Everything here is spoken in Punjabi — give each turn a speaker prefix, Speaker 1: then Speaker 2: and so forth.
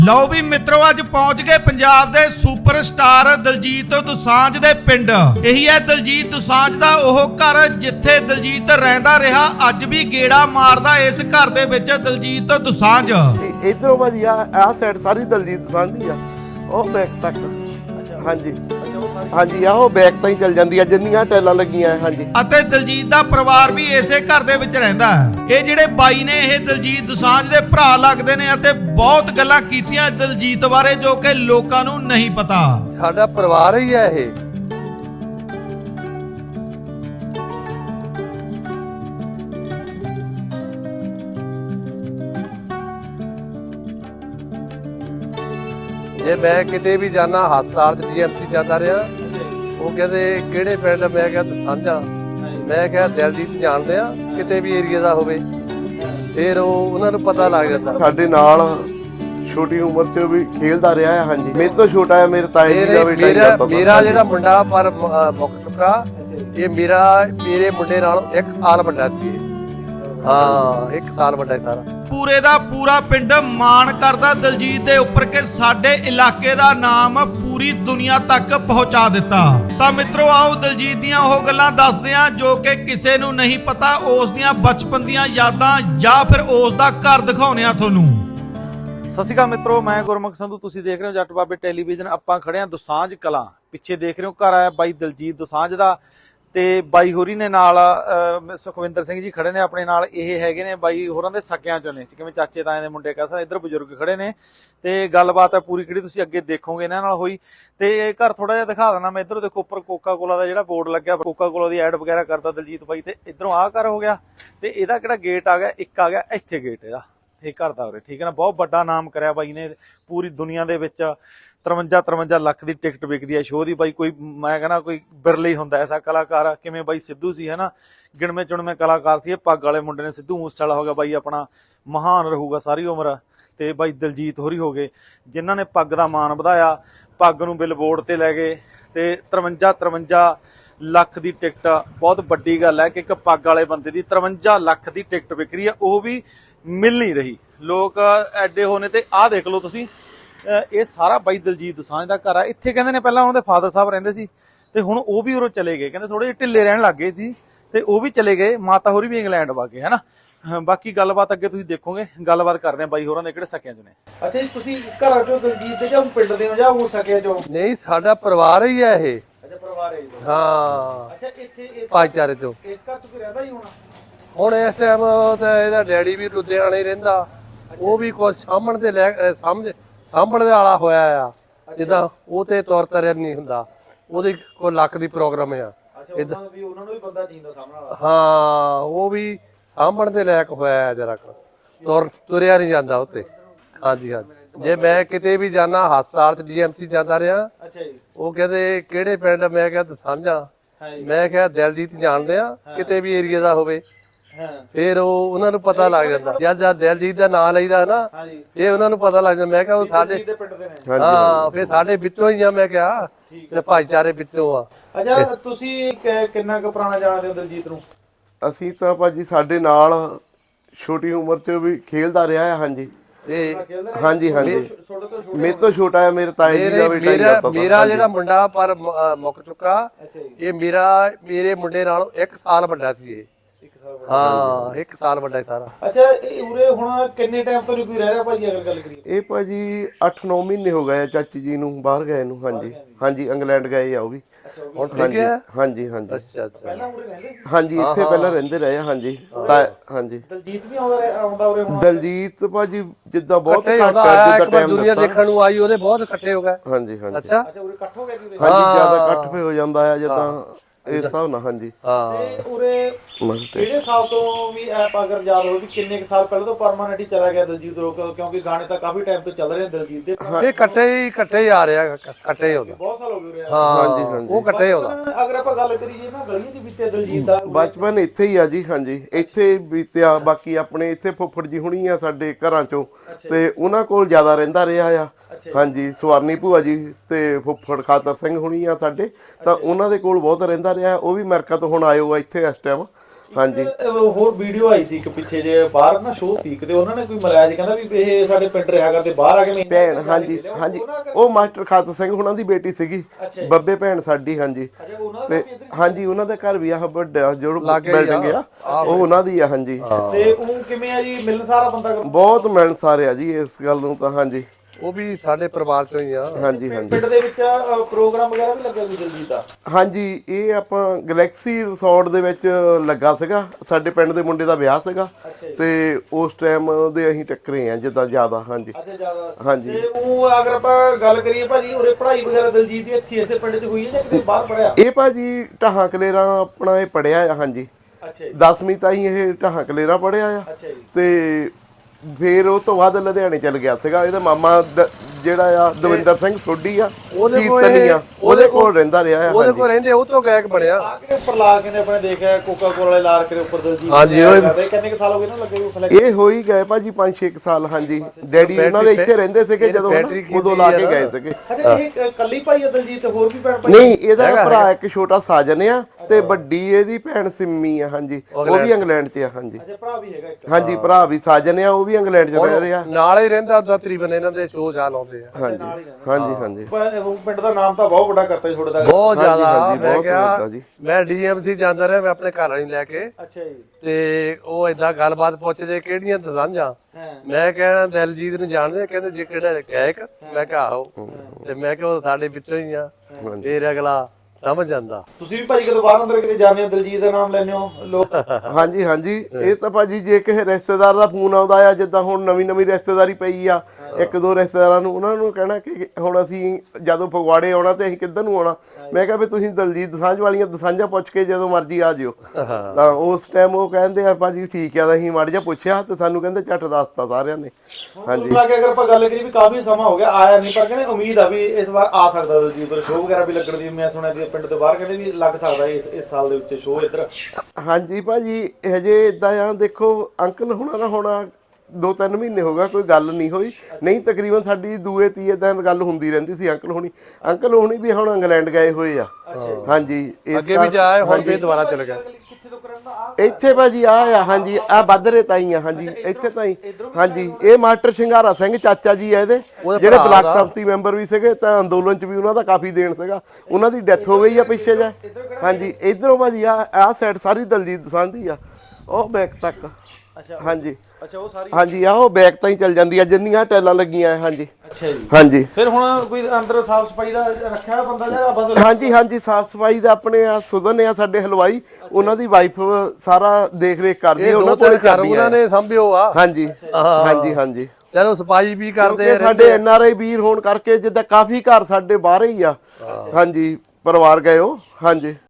Speaker 1: ਲਓ ਵੀ ਮਿੱਤਰੋ ਅੱਜ ਪਹੁੰਚ ਗਏ ਪੰਜਾਬ ਦੇ ਸੁਪਰਸਟਾਰ ਦਲਜੀਤ ਦੋਸਾਂਝ ਦੇ ਪਿੰਡ। ਇਹੀ ਹੈ ਦਲਜੀਤ ਦੋਸਾਂਝ ਦਾ ਉਹ ਘਰ ਜਿੱਥੇ ਦਲਜੀਤ ਰਹਿੰਦਾ ਰਿਹਾ। ਅੱਜ ਵੀ ਗੇੜਾ ਮਾਰਦਾ ਇਸ ਘਰ ਦੇ ਵਿੱਚ ਦਲਜੀਤ ਦੋਸਾਂਝ।
Speaker 2: ਇਧਰੋਂ ਭਾਜੀ ਆਹ ਸਾਈਡ ਸਾਰੀ ਦਲਜੀਤ ਦੋਸਾਂਝ ਦੀ ਆ, ਉਹ ਬੈਕ ਤੱਕ। ਹਾਂਜੀ ਹਾਂਜੀ ਆਹ ਬੈਕ ਤਾਂ ਹੀ ਚੱਲ ਜਾਂਦੀ ਆ ਜਿੰਨੀਆਂ ਟੈਲਾਂ ਲੱਗੀਆਂ। ਹਾਂਜੀ
Speaker 1: ਅਤੇ ਦਲਜੀਤ ਦਾ ਪਰਿਵਾਰ ਵੀ ਇਸੇ ਘਰ ਦੇ ਵਿੱਚ ਰਹਿੰਦਾ ਹੈ। ਇਹ ਜਿਹੜੇ ਬਾਈ ਨੇ ਇਹ ਦਲਜੀਤ ਦੋਸਾਂਝ ਦੇ ਭਰਾ ਲੱਗਦੇ ਨੇ ਅਤੇ ਬਹੁਤ ਗੱਲਾਂ ਕੀਤੀਆਂ ਦਲਜੀਤ ਬਾਰੇ ਜੋ ਕਿ ਲੋਕਾਂ ਨੂੰ ਨਹੀਂ ਪਤਾ।
Speaker 3: ਸਾਡਾ ਪਰਿਵਾਰ ਹੀ ਹੈ ਇਹ। ਜੇ ਮੈਂ ਕਿਤੇ ਵੀ ਜਾਣਾ ਹਸਪਤਾਲ ਚ ਡੀਐਮਸੀ ਜਾਂਦਾ ਰਿਹਾ, ਉਹ ਕਹਿੰਦੇ ਕਿਹੜੇ ਪਿੰਡ? ਮੈਂ ਕਿਹਾ ਦੋਸਾਂਝਾ। ਮੈਂ ਕਿਹਾ ਦਿਲਜੀਤ ਜਾਣਦੇ ਆ ਕਿਤੇ ਵੀ ਏਰੀਆ ਦਾ ਹੋਵੇ, ਫਿਰ ਉਹਨਾਂ ਨੂੰ ਪਤਾ ਲੱਗ ਜਾਂਦਾ।
Speaker 2: ਸਾਡੇ ਨਾਲ ਛੋਟੀ ਉਮਰ 'ਚ ਵੀ ਖੇਲਦਾ ਰਿਹਾ ਹੈ। ਹਾਂਜੀ ਮੇਰੇ ਤੋਂ ਛੋਟਾ ਹੈ, ਮੇਰੇ ਤਾਏ ਜੀ ਦਾ ਬੇਟਾ ਜਾਂਦਾ।
Speaker 3: ਮੇਰਾ ਜਿਹੜਾ ਮੁੰਡਾ ਪਰ ਮੁੱਕ ਚੁੱਕਾ, ਇਹ ਮੇਰੇ ਮੁੰਡੇ ਨਾਲ 1 ਸਾਲ ਵੱਡਾ ਸੀ। ਹਾਂ 1 ਸਾਲ ਵੱਡਾ ਸਾਰਾ।
Speaker 1: ਪੂਰੇ ਦਾ ਪੂਰਾ ਪਿੰਡ ਮਾਣ ਕਰਦਾ ਦਲਜੀਤ ਦੇ ਉੱਪਰ ਕਿ ਸਾਡੇ ਇਲਾਕੇ ਦਾ ਨਾਮ ਪੂਰੀ ਦੁਨੀਆ ਤੱਕ ਪਹੁੰਚਾ ਦਿੱਤਾ। ਤਾਂ ਮਿੱਤਰੋ ਆਓ ਦਲਜੀਤ ਦੀਆਂ ਉਹ ਗੱਲਾਂ ਦੱਸਦੇ ਹਾਂ ਜੋ ਕਿ ਕਿਸੇ ਨੂੰ ਨਹੀਂ ਪਤਾ, ਉਸ ਦੀਆਂ ਬਚਪਨ ਦੀਆਂ ਯਾਦਾਂ ਜਾਂ ਫਿਰ ਉਸ ਦਾ ਘਰ ਦਿਖਾਉਣੇ ਆ ਤੁਹਾਨੂੰ। ਸਤਿ ਸ਼੍ਰੀ ਅਕਾਲ ਮਿੱਤਰੋ, ਮੈਂ ਗੁਰਮੁਖ ਸੰਧੂ, ਤੁਸੀਂ ਦੇਖ ਰਹੇ ਹੋ ਜੱਟ ਬਾਬੇ ਟੈਲੀਵਿਜ਼ਨ। ਆਪਾਂ ਖੜੇ ਹਾਂ ਦੋਸਾਂਝ ਕਲਾਂ, ਪਿੱਛੇ ਦੇਖ ਰਹੇ ਹੋ ਘਰ ਆਇਆ ਬਾਈ ਦਲਜੀਤ ਦੋਸਾਂਝ ਦਾ, ਤੇ ਬਾਈ ਹੋਰੀ ਨੇ ਨਾਲ ਸੁਖਵਿੰਦਰ ਸਿੰਘ ਜੀ ਖੜੇ ਨੇ ਆਪਣੇ ਨਾਲ। ਇਹ ਹੈਗੇ ਨੇ ਬਾਈ ਹੋਰਾਂ ਦੇ ਸਕਿਆਂ ਚੋਂ ਨੇ, ਕਿਵੇਂ ਚਾਚੇ ਤਾਏ ਦੇ ਮੁੰਡੇ ਕਹਿ ਸਕਦੇ। ਇੱਧਰ ਬਜ਼ੁਰਗ ਖੜੇ ਨੇ ਤੇ ਗੱਲਬਾਤ ਹੈ ਪੂਰੀ ਕਿਹੜੀ ਤੁਸੀਂ ਅੱਗੇ ਦੇਖੋਗੇ ਇਹਨਾਂ ਨਾਲ ਹੋਈ। ਤੇ ਇਹ ਘਰ ਥੋੜਾ ਜਿਹਾ ਦਿਖਾ ਦੇਣਾ ਮੈਂ। ਇੱਧਰ ਦੇਖੋ ਉੱਪਰ ਕੋਕਾ ਕੋਲਾ ਦਾ ਜਿਹੜਾ ਬੋਰਡ ਲੱਗਿਆ, ਕੋਕਾ ਕੋਲਾ ਦੀ ਐਡ ਵਗੈਰਾ ਕਰਦਾ ਦਲਜੀਤ ਬਾਈ। ਤੇ ਇੱਧਰੋਂ ਆਹ ਘਰ ਹੋ ਗਿਆ ਤੇ ਇਹਦਾ ਕਿਹੜਾ ਗੇਟ ਆ ਗਿਆ, ਇੱਕ ਆ ਗਿਆ ਇੱਥੇ ਗੇਟ ਇਹਦਾ, ਇਹ ਘਰ ਦਾ ਉਰੇ, ਠੀਕ ਹੈ ਨਾ। ਬਹੁਤ ਵੱਡਾ ਨਾਮ ਕਰਿਆ ਬਾਈ ਨੇ ਪੂਰੀ ਦੁਨੀਆ ਦੇ ਵਿੱਚ। 53 ਲੱਖ ਦੀ ਟਿਕਟ ਵਿਕਦੀ ਹੈ ਸ਼ੋਅ ਦੀ ਬਾਈ। ਕੋਈ ਮੈਂ ਕਹਿੰਦਾ ਕੋਈ ਬਿਰਲੇ ਹੀ ਹੁੰਦਾ ਐਸਾ ਕਲਾਕਾਰ। ਕਿਵੇਂ ਬਾਈ ਸਿੱਧੂ ਸੀ, ਹੈ ਨਾ, ਗਿਣਵੇਂ ਚੁਣਵੇਂ ਕਲਾਕਾਰ ਸੀ। ਇਹ ਪੱਗ ਵਾਲੇ ਮੁੰਡੇ ਨੇ, ਸਿੱਧੂ ਮੂਸੇਵਾਲਾ ਹੋ ਗਿਆ ਬਾਈ ਆਪਣਾ, ਮਹਾਨ ਰਹੂਗਾ ਸਾਰੀ ਉਮਰ। ਤੇ ਬਾਈ ਦਲਜੀਤ ਹੋਰੀ ਹੋ ਗਏ ਜਿਨ੍ਹਾਂ ਨੇ ਪੱਗ ਦਾ ਮਾਣ ਵਧਾਇਆ, ਪੱਗ ਨੂੰ ਬਿਲਬੋਰਡ ਤੇ ਲੈ ਗਏ। ਤੇ 53 ਲੱਖ ਦੀ ਟਿਕਟ ਬਹੁਤ ਵੱਡੀ ਗੱਲ ਹੈ ਕਿ ਇੱਕ ਪੱਗ ਵਾਲੇ ਬੰਦੇ ਦੀ 53 ਲੱਖ ਦੀ ਟਿਕਟ ਵਿਕ ਰਹੀ ਹੈ, ਉਹ ਵੀ ਮਿਲ ਨਹੀਂ ਰਹੀ। ਲੋਕ ਐਡੇ ਹੋਣੇ। ਤੇ ਆਹ ਦੇਖ ਲਓ ਤੁਸੀਂ, ਇਹ ਸਾਰਾ ਬਾਈ ਦਲਜੀਤ ਦੋਸਾਂਝ ਦਾ ਘਰ ਆ। ਇੱਥੇ ਕਹਿੰਦੇ ਨੇ ਪਹਿਲਾਂ ਉਹਨਾਂ ਦੇ ਫਾਦਰ ਸਾਹਿਬ ਰਹਿੰਦੇ ਸੀ ਤੇ ਹੁਣ ਉਹ ਵੀ ਉਰੋਂ ਚਲੇ ਗਏ। ਕਹਿੰਦੇ ਥੋੜੇ ਜਿਹੇ ਢਿੱਲੇ ਰਹਿਣ ਲੱਗ ਗਏ ਸੀ ਤੇ ਉਹ ਵੀ ਚਲੇ ਗਏ। ਮਾਤਾ ਹੋਰੀ ਵੀ ਇੰਗਲੈਂਡ ਵਾ ਗਏ, ਹੈ ਨਾ। ਬਾਕੀ ਗੱਲਬਾਤ ਅੱਗੇ ਤੁਸੀਂ ਦੇਖੋਗੇ। ਗੱਲਬਾਤ ਕਰਦੇ ਆ ਬਾਈ ਹੋਰਾਂ ਦੇ ਕਿਹੜੇ ਸਕਿਆਂ ਚੋਂ ਨੇ। ਅੱਛਾ ਜੀ, ਤੁਸੀਂ ਘਰ ਚੋਂ ਦਲਜੀਤ ਦੇ ਜਾਂ ਪਿੰਡ ਦੇ ਹੋ ਜਾਂ ਉਹ ਸਕਿਆਂ ਚੋਂ?
Speaker 3: ਨਹੀਂ, ਸਾਡਾ ਪਰਿਵਾਰ ਹੀ ਹੈ ਇਹ।
Speaker 1: ਅੱਛਾ ਪਰਿਵਾਰ ਹੈ।
Speaker 3: ਹਾਂ
Speaker 1: ਅੱਛਾ ਇੱਥੇ ਇਸ
Speaker 3: ਭਾਈਚਾਰੇ ਤੋਂ
Speaker 1: ਘਰ ਤੋਂ ਕੋਈ ਰਹਿੰਦਾ ਹੀ ਹੋਣਾ
Speaker 3: ਹੁਣ ਇਸ ਟਾਈਮ। ਇਹਦਾ ਡੈਡੀ ਵੀ ਲੁਧਿਆਣੇ ਹੀ ਰਹਿੰਦਾ, ਉਹ ਵੀ ਕੁਝ ਸਾਂਭਣ ਤੇ ਸਾਂਭਣ ਦੇ ਵਾਲਾ ਹੋਇਆ ਆ। ਜਿੱਦਾਂ ਉਹ ਤੇ ਤੁਰ ਤਰਿਆ ਨਹੀਂ ਹੁੰਦਾ, ਉਹਦੇ ਕੋਈ ਲੱਖ ਦੀ ਪ੍ਰੋਗਰਾਮ ਆ।
Speaker 1: ਉਹਨਾਂ ਨੂੰ ਵੀ ਬੰਦਾ ਜੀਂਦਾ ਸਾਹਮਣੇ ਵਾਲਾ।
Speaker 3: ਹਾਂ ਉਹ ਵੀ ਸਾਂਭਣ ਦੇ ਲਾਇਕ ਹੋਇਆ ਆ ਜਰਾ। ਤੁਰਿਆ ਨਹੀਂ ਜਾਂਦਾ ਉੱਤੇ। ਹਾਂਜੀ ਹਾਂਜੀ। ਜੇ ਮੈਂ ਕਿਤੇ ਵੀ ਜਾਣਾ ਹਸਪਤਾਲ ਚ ਡੀਐਮਸੀ ਜਾਂਦਾ ਰਿਹਾ, ਉਹ ਕਹਿੰਦੇ ਕਿਹੜੇ ਪਿੰਡ? ਮੈਂ ਕਿਹਾ ਦੋਸਾਂਝਾ। ਮੈਂ ਕਿਹਾ ਦਿਲਜੀਤ ਜਾਣਦੇ ਆ ਕਿਤੇ ਵੀ ਏਰੀਆ ਦਾ ਹੋਵੇ, ਫਿਰ ਉਹਨਾਂ ਨੂੰ ਪਤਾ ਲੱਗ ਜਾਂਦਾ। ਜਦ ਦਿਲਜੀਤ ਦਾ ਨਾਂ ਲਈਦਾ ਨਾ, ਇਹ ਉਹਨਾਂ ਨੂੰ ਪਤਾ ਲੱਗ ਜਾਂਦਾ। ਮੈਂ ਕਿਹਾ ਉਹ ਸਾਡੇ, ਹਾਂ ਫਿਰ ਸਾਡੇ ਵਿੱਚੋਂ ਹੀ ਆ। ਮੈਂ ਕਿਹਾ ਤੇ ਭਾਈਚਾਰੇ ਵਿੱਚੋਂ ਆ।
Speaker 1: ਅੱਛਾ ਤੁਸੀਂ ਕਿੰਨਾ ਕੁ ਪੁਰਾਣਾ ਜਾਣਦੇ ਹੋ ਦਲਜੀਤ ਨੂੰ?
Speaker 2: ਅਸੀਂ ਤਾਂ ਭਾਜੀ ਸਾਡੇ ਨਾਲ ਛੋਟੀ ਉਮਰ 'ਚ ਵੀ ਖੇਲਦਾ ਰਿਹਾ ਹੈ। ਹਾਂਜੀ
Speaker 3: ਤੇ
Speaker 2: ਹਾਂਜੀ ਮੇਰੇ ਤੋਂ ਛੋਟਾ ਹੈ, ਮੇਰੇ ਤਾਏ ਜੀ ਦਾ ਬੇਟਾ ਜਾਂਦਾ।
Speaker 3: ਮੇਰਾ ਜਿਹੜਾ ਮੁੰਡਾ ਪਰ ਮੁੱਕ ਚੁੱਕਾ, ਇਹ ਮੇਰੇ ਮੁੰਡੇ ਨਾਲ 1 ਸਾਲ ਵੱਡਾ ਸੀ ਇਹ। ਹਾਂ 1 ਸਾਲ ਵੱਡਾ ਸਾਰਾ।
Speaker 1: ਅੱਛਾ ਇਹ ਉਰੇ ਹੁਣ ਕਿੰਨੇ ਟਾਈਮ ਤੋਂ ਕੋਈ ਰਹਿ ਰਿਹਾ ਭਾਜੀ ਅਗਰ ਗੱਲ ਕਰੀਏ?
Speaker 2: ਇਹ ਭਾਜੀ 8-9 ਮਹੀਨੇ ਹੋ ਗਏ ਆ ਚਾਚੀ ਜੀ ਨੂੰ ਬਾਹਰ ਗਏ ਨੂੰ। ਹਾਂਜੀ ਹਾਂਜੀ ਇੰਗਲੈਂਡ ਗਏ ਆ ਉਹ ਵੀ ਹੁਣ। ਹਾਂਜੀ ਹਾਂਜੀ ਹਾਂਜੀ।
Speaker 3: ਅੱਛਾ ਅੱਛਾ।
Speaker 1: ਪਹਿਲਾਂ ਉਰੇ ਰਹਿੰਦੇ ਸੀ?
Speaker 2: ਹਾਂਜੀ ਇੱਥੇ ਪਹਿਲਾਂ ਰਹਿੰਦੇ ਰਹੇ ਆ। ਹਾਂਜੀ ਤਾਂ ਹਾਂਜੀ।
Speaker 1: ਦਲਜੀਤ ਵੀ ਆਉਂਦਾ ਉਰੇ ਹੁਣ?
Speaker 2: ਦਲਜੀਤ ਭਾਜੀ ਜਿੱਦਾਂ ਬਹੁਤ ਘੱਟ
Speaker 3: ਜਿੱਦਾਂ ਟਾਈਮ ਦੁਨੀਆ ਦੇਖਣ ਨੂੰ ਆਈ, ਉਹਦੇ ਬਹੁਤ ਇਕੱਠੇ ਹੋ ਗਏ।
Speaker 2: ਹਾਂਜੀ ਹਾਂਜੀ।
Speaker 3: ਅੱਛਾ
Speaker 1: ਉਰੇ ਇਕੱਠ ਹੋ ਗਏ ਜੀ?
Speaker 2: ਹਾਂਜੀ ਜ਼ਿਆਦਾ ਇਕੱਠ ਹੋ ਜਾਂਦਾ ਆ ਜਿੱਦਾਂ ਇਸ ਹਿਸਾਬ ਨਾਲ। ਹਾਂਜੀ
Speaker 3: ਹਾਂ।
Speaker 1: ਤੇ ਉਰੇ ਕਿਹੜੇ ਸਾਲ ਤੋਂ ਵੀ ਐਪ ਅਗਰ ਯਾਦ ਹੋਵੇ ਵੀ ਕਿੰਨੇ ਕੁ ਸਾਲ ਪਹਿਲਾਂ ਤੋਂ ਪਰਮਾਨੈਂਟ ਹੀ ਚਲਾ ਗਿਆ ਦਲਜੀਤ ਰੋਕ? ਕਿਉਂਕਿ ਗਾਣੇ ਤਾਂ ਕਾਫੀ ਟਾਈਮ ਤੋਂ ਚੱਲ ਰਹੇ ਨੇ ਦਲਜੀਤ ਦੇ।
Speaker 3: ਇਹ ਇਕੱਠੇ ਹੀ ਆ ਰਿਹਾ, ਇਕੱਠੇ ਹੀ ਹੁੰਦਾ।
Speaker 1: ਬਹੁਤ ਸਾਲ ਹੋ ਗਏ ਉਰੇ।
Speaker 3: ਹਾਂ
Speaker 2: ਹਾਂਜੀ ਹਾਂਜੀ।
Speaker 3: ਉਹ ਇਕੱਠੇ ਹੀ ਹੁੰਦਾ।
Speaker 1: ਅਗਰ ਆਪਾਂ ਗੱਲ ਕਰੀਏ ਨਾ ਗਲੀਆਂ 'ਚ ਬੀਤੇ ਦਲਜੀਤ ਦਾ
Speaker 2: ਬਚਪਨ ਇੱਥੇ ਹੀ ਆ ਜੀ। ਹਾਂਜੀ ਇੱਥੇ ਬੀਤਿਆ। ਬਾਕੀ ਆਪਣੇ ਇੱਥੇ ਫੁੱਫੜ ਜੀ ਹੁਣੀ ਆ ਸਾਡੇ ਘਰਾਂ ਚੋਂ, ਤੇ ਉਹਨਾਂ ਕੋਲ ਜ਼ਿਆਦਾ ਰਹਿੰਦਾ ਰਿਹਾ ਆ। ਹਾਂਜੀ ਸਵਾਰਨੀ ਭੂਆ ਜੀ ਤੇ ਫੁੱਫੜ ਖਾਤਰ ਸਿੰਘ ਹੁਣੀ ਆ ਸਾਡੇ, ਤਾਂ ਉਹਨਾਂ ਦੇ ਕੋਲ ਬਹੁਤ ਰਹਿੰਦਾ ਰਿਹਾ। ਉਹ ਵੀ ਅਮਰੀਕਾ ਤੋਂ ਹੁਣ ਆਏ ਹੋ ਇੱਥੇ ਇਸ ਟਾਈਮ। ਹਾਂਜੀ
Speaker 4: ਹੋਰ ਵੀਡੀਓ ਆਈ ਸੀ ਇੱਕ ਪਿੱਛੇ ਜੇ ਬਾਹਰ ਨਾ ਸ਼ੋਅ ਸੀ ਕਿਤੇ ਉਹਨਾਂ ਨੇ ਕੋਈ ਮਲਾਇਆ ਸੀ ਕਹਿੰਦਾ ਵੀ ਇਹ ਸਾਡੇ ਪਿੰਡ ਰਿਹਾ ਕਰਦੇ ਬਾਹਰ ਆ ਕੇ ਮੈਂ
Speaker 2: ਭੈਣ ਹਾਂਜੀ ਹਾਂਜੀ ਉਹ ਮਾਸਟਰ ਖਾਤਰ ਸਿੰਘ ਹੁਣਾਂ ਦੀ ਬੇਟੀ ਸੀਗੀ ਬੱਬੇ ਭੈਣ ਸਾਡੀ ਹਾਂਜੀ ਤੇ ਹਾਂਜੀ ਉਹਨਾਂ ਦਾ ਘਰ ਵੀ ਆ ਵੱਡਾ ਜੋ ਬਿਲਡਿੰਗ ਆ ਉਹ ਉਹਨਾਂ ਦੀ ਆ ਹਾਂਜੀ
Speaker 4: ਤੇ ਉਹ ਕਿਵੇਂ ਆ ਜੀ ਮਿਲਣਸਾਰ ਬੰਦਾ
Speaker 2: ਬਹੁਤ ਮਿਲਣਸਾਰ ਆ ਜੀ ਇਸ ਗੱਲ ਨੂੰ ਤਾਂ ਹਾਂਜੀ
Speaker 3: ਉਹ ਵੀ ਸਾਡੇ ਪਰਿਵਾਰ ਚੋਂ ਹੀ ਆ
Speaker 2: ਹਾਂਜੀ ਹਾਂਜੀ
Speaker 4: ਪਿੰਡ ਦੇ ਵਿੱਚ ਪ੍ਰੋਗਰਾਮ ਵਗੈਰਾ ਵੀ ਲੱਗਿਆ ਸੀ ਦਿਲਜੀਤ ਦਾ
Speaker 2: ਹਾਂਜੀ ਇਹ ਆਪਾਂ ਗੈਲੈਕਸੀ ਰਿਸੋਰਟ ਦੇ ਵਿੱਚ ਲੱਗਾ ਸੀਗਾ ਸਾਡੇ ਪਿੰਡ ਦੇ ਮੁੰਡੇ ਦਾ ਵਿਆਹ ਸੀਗਾ ਤੇ ਉਸ ਟਾਈਮ ਦੇ ਅਸੀਂ ਟੱਕਰੇ ਆ ਜਿੱਦਾਂ ਜ਼ਿਆਦਾ ਹਾਂਜੀ
Speaker 4: ਅੱਛਾ ਜਿਆਦਾ
Speaker 2: ਹਾਂਜੀ
Speaker 4: ਤੇ ਉਹ ਅਗਰ ਆਪਾਂ ਗੱਲ ਕਰੀਏ ਭਾਜੀ ਉਰੇ ਪੜ੍ਹਾਈ ਵਗੈਰਾ ਦਿਲਜੀਤ ਦੀ ਇੱਥੇ ਇਸੇ ਪਿੰਡ 'ਚ ਹੋਈ ਹੈ ਜਾਂ ਕਿਤੇ ਬਾਹਰ ਪੜਿਆ
Speaker 2: ਇਹ ਭਾਜੀ ਢਾਹਾਂ ਕਲੇਰਾਂ ਆਪਣਾ ਇਹ ਪੜਿਆ ਆ ਹਾਂਜੀ
Speaker 4: ਅੱਛਾ ਜੀ
Speaker 2: 10ਵੀਂ ਤਾਈਂ ਇਹ ਢਾਹਾਂ ਕਲੇਰਾਂ ਪੜਿਆ ਆ
Speaker 4: ਅੱਛਾ ਜੀ
Speaker 2: ਤੇ ਫਿਰ ਉਹ ਤੋਂ ਬਾਅਦ ਲੁਧਿਆਣੇ ਚਲ ਗਿਆ ਸੀਗਾ ਇਹਦਾ ਮਾਮਾ ਜਿਹੜਾ ਆ ਦਵਿੰਦਰ ਸਿੰਘ ਸੋਢੀ ਆ ਕੀਰਤਨੀਆ ਉਹਦੇ ਕੋਲ ਰਹਿੰਦਾ ਰਿਹਾ ਆ
Speaker 3: ਉਹਦੇ ਕੋਲ ਰਹਿੰਦੇ ਉਹ ਤੋਂ ਗਾਇਕ ਬਣਿਆ
Speaker 4: ਆ ਕੇ ਉੱਪਰ ਲਾ ਕੇ ਨੇ ਆਪਣੇ ਦੇਖਿਆ ਕੋਕਾ ਕੋਲਾ ਵਾਲੇ ਲਾਰ ਕੇ ਉੱਪਰ ਦਿਲਜੀਤ
Speaker 3: ਹਾਂਜੀ, ਉਹ
Speaker 4: ਕਿੰਨੇ ਕੁ ਸਾਲ ਹੋ ਗਏ ਨਾ ਲੱਗੇ ਉਹ ਫਲੈਕਸ
Speaker 2: ਇਹ ਹੋ ਹੀ ਗਏ ਭਾਜੀ 5-6 ਸਾਲ ਹਾਂਜੀ ਡੈਡੀ ਉਹਨਾਂ ਦੇ ਇੱਥੇ ਰਹਿੰਦੇ ਸੀਗੇ ਜਦੋਂ ਹਨਾ, ਉਦੋਂ ਲਾ ਕੇ ਗਏ ਸੀਗੇ
Speaker 4: ਅੱਛਾ ਇਹ ਕੱਲੀ ਭਾਈ ਆ ਦਿਲਜੀਤ ਹੋਰ ਵੀ ਭੈਣ ਭਾਈ
Speaker 2: ਨਹੀਂ ਇਹਦਾ ਭਰਾ ਇੱਕ ਛੋਟਾ ਸਾਜਨ ਆ ਤੇ ਵੱਡੀ ਇਹਦੀ ਭੈਣ ਸਿੰਮੀ ਆ ਹਾਂਜੀ ਉਹ ਵੀ ਇੰਗਲੈਂਡ 'ਚ ਆ ਹਾਂਜੀ
Speaker 4: ਅੱਛਾ ਭਰਾ ਵੀ ਹੈਗਾ ਇੱਕ
Speaker 2: ਹਾਂਜੀ ਭਰਾ ਵੀ ਸਾਜਨ ਆ ਉਹ ਵੀ ਇੰਗਲੈਂਡ 'ਚ ਰਹਿ ਰਿਹਾ
Speaker 3: ਨਾਲ ਹੀ ਰਹਿੰਦਾ ਉਦਾਂ ਤਕਰੀਬਨ ਇਹਨਾਂ ਦੇ ਸ਼ੋਅ ਚਾਲ ਆਉਂਦੇ ਆ
Speaker 2: ਹਾਂਜੀ ਹਾਂਜੀ ਹਾਂਜੀ
Speaker 4: ਉਹ ਪਿੰਡ ਦਾ ਨਾਮ ਤਾਂ ਬਹੁਤ ਵੱਡਾ ਕਰਤਾ ਛੋਟੇ ਦਾ
Speaker 3: ਬਹੁਤ ਜ਼ਿਆਦਾ
Speaker 2: ਹਾਂਜੀ,
Speaker 3: ਮੈਂ
Speaker 2: ਬਹੁਤ
Speaker 3: ਕਿਹਾ
Speaker 2: ਵੱਡਾ ਜੀ।
Speaker 3: ਮੈਂ ਡੀਐਮਸੀ ਜਾਂਦਾ ਰਿਹਾ ਮੈਂ ਆਪਣੇ ਘਰ ਵਾਲੀ ਲੈ ਕੇ
Speaker 4: ਅੱਛਾ ਜੀ
Speaker 3: ਤੇ ਉਹ ਏਦਾਂ ਗੱਲਬਾਤ ਪੁੱਛਦੇ ਕਿਹੜੀਆਂ ਦਸਾਂਝਾਂ
Speaker 4: ਹਾਂ
Speaker 3: ਮੈਂ ਕਹਿਣਾ ਦਿਲਜੀਤ ਨੂੰ ਜਾਣਦੇ ਆ? ਕਹਿੰਦੇ ਜੇ ਕਿਹੜਾ ਗਾਇਕ ਮੈਂ ਕਿਹਾ ਆਹੋ ਤੇ ਮੈਂ ਕਿਹਾ ਉਹ ਸਾਡੇ ਵਿੱਚੋਂ ਹੀ ਆ ਫਿਰ ਅਗਲਾ ਸਮਝ ਜਾਂਦਾ
Speaker 4: ਤੁਸੀਂ ਵੀ ਭਾਈ ਕਦੋਂ ਬਾਹਰ ਅੰਦਰ ਕਿਤੇ ਜਾਂਦੇ ਹੋ ਦਿਲਜੀਤ ਦਾ ਨਾਮ ਲੈਂਦੇ ਹੋ ਲੋਕ
Speaker 2: ਹਾਂਜੀ ਹਾਂਜੀ ਇਹ ਤਾਂ ਭਾਜੀ ਜੇ ਕਿਸੇ ਰਿਸ਼ਤੇਦਾਰ ਦਾ ਫੋਨ ਆਉਂਦਾ ਆ ਜਿੱਦਾਂ ਹੁਣ ਨਵੀਂ ਰਿਸ਼ਤੇਦਾਰੀ ਪਈ ਆ ਇੱਕ ਦੋ ਰਿਸ਼ਤੇਦਾਰਾਂ ਨੂੰ ਉਹਨਾਂ ਨੂੰ ਕਹਿਣਾ ਕਿ ਹੁਣ ਅਸੀਂ ਜਦੋਂ ਫਗਵਾੜੇ ਆਉਣਾ ਤੇ ਅਸੀਂ ਕਿੱਧਰ ਨੂੰ ਆਉਣਾ ਮੈਂ ਕਿਹਾ ਵੀ ਤੁਸੀਂ ਦਲਜੀਤ ਦਸਾਂਝ ਵਾਲੀਆਂ ਦਸਾਂਝਾਂ ਪੁੱਛ ਕੇ ਜਦੋਂ ਮਰਜ਼ੀ ਆ ਜਿਓ ਤਾਂ ਉਸ ਟਾਈਮ ਉਹ ਕਹਿੰਦੇ ਆ ਭਾਜੀ ਠੀਕ ਆ ਤਾਂ ਅਸੀਂ ਮਾੜਾ ਜਿਹਾ ਪੁੱਛਿਆ ਤੇ ਸਾਨੂੰ ਕਹਿੰਦੇ ਝੱਟ ਦੱਸਤਾ ਸਾਰਿਆਂ ਨੇ ਹਾਂਜੀ
Speaker 4: ਲੱਗੇ ਅਗਰ ਆਪਾਂ ਗੱਲ ਕਰੀਏ ਵੀ ਕਾਫੀ ਸਮਾਂ ਹੋ ਗਿਆ ਆਇਆ ਨਹੀਂ ਪਰ ਕਹਿੰਦੇ ਉਮੀਦ ਆ ਵੀ ਇਸ ਵਾਰ ਆ ਸਕਦਾ ਦਿਲਜੀਤ ਦਾ ਸ਼ੋਅ ਵਗੈਰਾ ਵੀ ਲੱਗਣ ਦੀ ਮੈਂ ਸੁਣਿਆ ਵੀ ਪਿੰਡ ਤੋਂ ਬਾਹਰ ਕਹਿੰਦੇ ਵੀ ਲੱਗ ਸਕਦਾ ਇਸ ਸਾਲ ਦੇ ਵਿੱਚ ਸ਼ੋਅ ਇੱਧਰ
Speaker 2: ਹਾਂਜੀ ਭਾਜੀ ਹਜੇ ਇਦਾਂ ਆ ਦੇਖੋ ਅੰਕਲ ਹੁਣਾਂ ਦਾ ਹੋਣਾ 2-3 ਮਹੀਨੇ ਹੋ ਗਿਆ ਕੋਈ ਗੱਲ ਨਹੀਂ ਹੋਈ ਨਹੀਂ ਤਕਰੀਬਨ ਸਾਡੀ ਦੂਏ ਤੀਏ ਦਿਨ ਗੱਲ ਹੁੰਦੀ ਰਹਿੰਦੀ ਸੀ ਅੰਕਲ ਹੁਣੀ ਵੀ ਹੁਣ ਇੰਗਲੈਂਡ ਗਏ ਹੋਏ ਆ ਹਾਂਜੀ
Speaker 3: ਅੱਗੇ ਵੀ ਜਾਏ ਹੁਣ ਵੀ ਦੁਬਾਰਾ ਚਲੇ ਗਏ
Speaker 4: ਕਿੱਥੇ ਤੋਂ ਕਰਨ ਦਾ
Speaker 2: ਇੱਥੇ ਭਾਜੀ ਆ ਹਾਂਜੀ ਆ ਬਾਦਰੇ ਤਾਈ ਆ ਹਾਂਜੀ ਇੱਥੇ ਤਾਈ ਹਾਂਜੀ ਇਹ ਮਾਸਟਰ ਸ਼ਿੰਗਾਰਾ ਸਿੰਘ ਚਾਚਾ ਜੀ ਆ ਇਹਦੇ ਜਿਹੜੇ ਬਲਾਕ ਸੰਮਤੀ ਮੈਂਬਰ ਵੀ ਸੀਗੇ ਤਾਂ ਅੰਦੋਲਨ ਚ ਵੀ ਉਹਨਾਂ ਦਾ ਕਾਫੀ ਦੇਣ ਸੀਗਾ ਉਹਨਾਂ ਦੀ ਡੈਥ ਹੋ ਗਈ ਆ ਪਿੱਛੇ ਜਾ ਹਾਂਜੀ ਇਧਰੋਂ ਭਾਜੀ ਆ ਸਾਈਡ ਸਾਰੀ ਦਲਜੀਤ ਦਸਾਂਝ ਦੀ ਆ ਉਹ ਬੈਕ ਤੱਕ ਹਾਂਜੀ
Speaker 4: ਅੱਛਾ ਉਹ ਸਾਰੀ
Speaker 2: ਹਾਂਜੀ ਆ ਉਹ ਬੈਕ ਤਾਂ ਹੀ ਚੱਲ ਜਾਂਦੀ ਆ ਜਿੰਨੀਆਂ ਟੈਲਾਂ ਲੱਗੀਆਂ ਹਾਂਜੀ
Speaker 4: ਅੱਛਾ ਜੀ
Speaker 2: ਹਾਂਜੀ
Speaker 4: ਫਿਰ ਹੁਣ ਕੋਈ ਅੰਦਰ ਸਾਫ ਸਫਾਈ ਦਾ ਰੱਖਿਆ ਹੋਇਆ ਬੰਦਾ ਜਾਂ ਬਸ
Speaker 2: ਹਾਂਜੀ ਸਾਫ ਸਫਾਈ ਦਾ ਆਪਣੇ ਆ ਸੁਦਨ ਆ ਸਾਡੇ ਹਲਵਾਈ ਉਹਨਾਂ ਦੀ ਵਾਈਫ ਸਾਰਾ ਦੇਖ ਰੇਖ ਕਰਦੀ ਆ ਉਹਨਾਂ ਕੋਲ
Speaker 3: ਘਰ ਉਹਨਾਂ ਨੇ ਸੰਭਿਓ ਆ
Speaker 2: ਹਾਂਜੀ ਹਾਂਜੀ
Speaker 3: ਚਲੋ ਸਫਾਈ ਵੀ ਕਰਦੇ
Speaker 2: ਕਿਉਂਕਿ ਸਾਡੇ ਐਨਆਰਆਈ ਵੀਰ ਹੋਣ ਕਰਕੇ ਜਿੱਦਾਂ ਕਾਫੀ ਘਰ ਸਾਡੇ ਬਾਹਰ ਹੀ ਆ ਹਾਂਜੀ ਪਰਿਵਾਰ ਗਏ ਉਹ ਹਾਂਜੀ